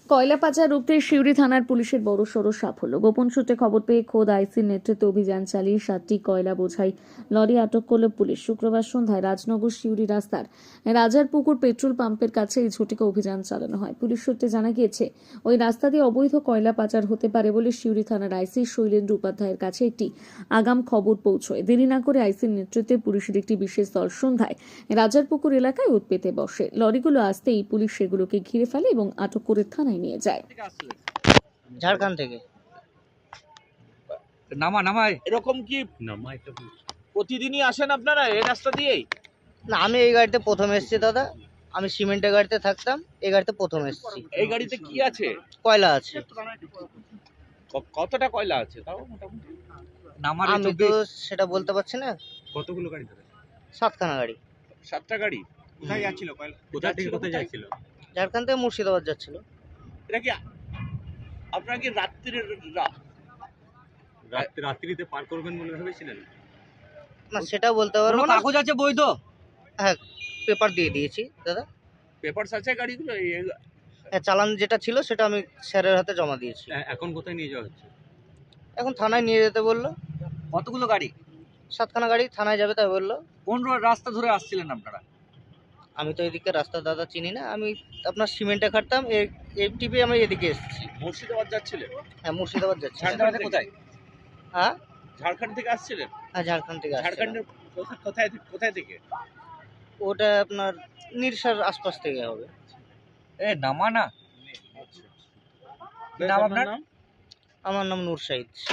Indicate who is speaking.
Speaker 1: কয়লা পাচার রুখতে সিউড়ি থানার পুলিশের বড়সড় সাফল্য। গোপন সূত্রে খবর পেয়ে খোদ আইসির নেতৃত্বে অভিযান চালিয়ে 7টি কয়লা বোঝাই লরি আটক করল পুলিশ। শুক্রবার সন্ধ্যায় রাজনগর সিউড়ি রাস্তার রাজারপুকুর পেট্রোল পাম্পের কাছে এই ঝটিকা অভিযান চালানো হয়। পুলিশ সূত্রে জানা গিয়েছে, ওই রাস্তা দিয়ে অবৈধ কয়লা পাচার হতে পারে বলে সিউড়ি থানার আইসি শৈলেন্দ্র উপাধ্যায়ের কাছে একটি আগাম খবর পৌঁছয়। দেরি না করে আইসির নেতৃত্বে পুলিশের একটি বিশেষ দল সন্ধ্যায় রাজারপুকুর এলাকায় ওঁত পেতে বসে। লরিগুলো আসতেই পুলিশ সেগুলোকে ঘিরে ফেলে এবং আটক করে থানায় নিয়ে যায়।
Speaker 2: ঝাড়খণ্ড থেকে
Speaker 3: নামায়
Speaker 4: এরকম কি প্রতিদিনই আসেন আপনারা এই রাস্তা দিয়েই?
Speaker 2: না, আমি এই গাড়িতে প্রথম এসেছি দাদা। আমি সিমেন্টের গাড়িতে থাকতাম, এই গাড়িতে প্রথম এসেছি।
Speaker 4: এই গাড়িতে কি আছে?
Speaker 2: কয়লা আছে।
Speaker 4: কতটা কয়লা আছে তাও মোটামুটি?
Speaker 3: নামার
Speaker 2: আমি তো সেটা বলতে পারছি না।
Speaker 3: কতগুলো গাড়ি ধরে?
Speaker 2: 7খানা গাড়ি।
Speaker 4: 7টা গাড়ি
Speaker 3: কোথায় যাচ্ছিল কয়লা? কোথা থেকে কোথায় যাচ্ছিল?
Speaker 2: ঝাড়খণ্ড থেকে মুর্শিদাবাদ যাচ্ছিল।
Speaker 4: এটা কি আপনারা কি
Speaker 3: রাত্রিতে পার করবেন বলে ভেবেছিলেন?
Speaker 2: না, সেটা বলতে পারবো না।
Speaker 3: কাগজ আছে বৈধ?
Speaker 2: হ্যাঁ, পেপার দিয়ে দিয়েছি দাদা।
Speaker 4: পেপারস আছে গাড়িগুলো?
Speaker 2: হ্যাঁ, চালান যেটা ছিল সেটা আমি স্যারের হাতে জমা দিয়েছি।
Speaker 3: এখন কোথায় নিয়ে যাওয়া হচ্ছে?
Speaker 2: এখন থানায় নিয়ে যেতে বললো।
Speaker 3: কতগুলো গাড়ি?
Speaker 2: 7খানা গাড়ি থানায় যাবে তাই বললো।
Speaker 3: কোন রাস্তা ধরে আসছিলেন আপনারা?
Speaker 2: আমি তো এদিকে রাস্তা দাদা চিনি না। আমি আপনার সিমেন্টে খাটতাম, এই টিপে আমি এদিকে এসেছি।
Speaker 4: মুর্শিদাবাদ যাচ্ছিলেন?
Speaker 2: হ্যাঁ, মুর্শিদাবাদ যাচ্ছি।
Speaker 4: ঝাড়খণ্ড থেকে?
Speaker 3: কোথায়?
Speaker 2: হ্যাঁ,
Speaker 4: ঝাড়খণ্ড থেকে আসছিলেন?
Speaker 2: হ্যাঁ, ঝাড়খণ্ড থেকে আসছিলাম।
Speaker 4: ঝাড়খণ্ডের কোথায় থেকে?
Speaker 2: ওটা আপনার নিরসার আশপাশ থেকে হবে।
Speaker 3: নামা না। নাম আপনার?
Speaker 2: আমার নাম নূর শাহিদ।